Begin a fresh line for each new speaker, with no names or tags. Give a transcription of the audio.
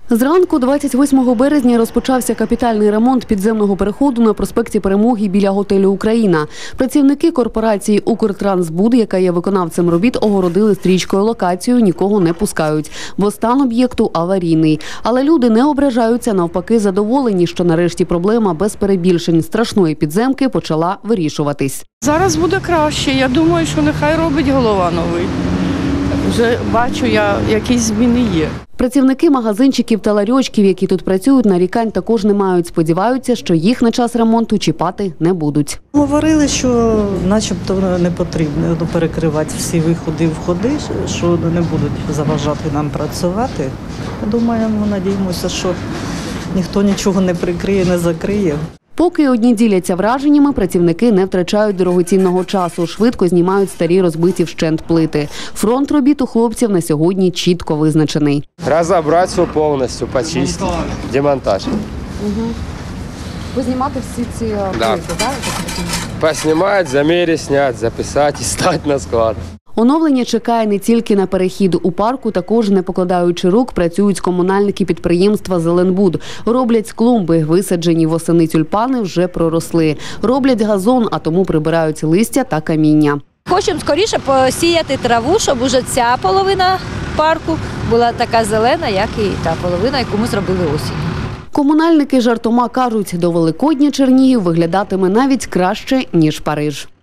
Зранку 28 березня розпочався капітальний ремонт підземного переходу на проспекті Перемоги біля готелю «Україна». Працівники корпорації «Укртрансбуд», яка є виконавцем робіт, огородили стрічкою локацію, нікого не пускають, бо стан об'єкту аварійний. Але люди не ображаються, навпаки задоволені, що нарешті проблема без перебільшень страшної підземки почала вирішуватись.
Зараз буде краще. Я думаю, що нехай робить голова новий. Вже бачу, якісь зміни є.
Працівники магазинчиків та ларьочків, які тут працюють, нарікань також не мають. Сподіваються, що їх на час ремонту чіпати не будуть.
Говорили, що начебто не потрібно перекривати всі виходи і входи, що не будуть заважати нам працювати. Думаємо, надіємося, що ніхто нічого не прикриє, не закриє.
Поки одні діляться враженнями, працівники не втрачають дорогоцінного часу, швидко знімають старі розбиті вщент плити. Фронт робіт у хлопців на сьогодні чітко визначений.
Розібрати все повністю, почистити, демонтаж.
Познімати всі ці плити, так?
Поснімати, заміряти, зняти, записати і стати на склад.
Оновлення чекає не тільки на перехід. У парку також, не покладаючи рук, працюють комунальники підприємства «Зеленбуд». Роблять клумби, висаджені восени тюльпани вже проросли. Роблять газон, а тому прибирають листя та каміння.
Хочемо скоріше посіяти траву, щоб уже ця половина парку була така зелена, як і та половина, яку ми зробили осінню.
Комунальники жартома кажуть, до Великодня Чернігів виглядатиме навіть краще, ніж Париж.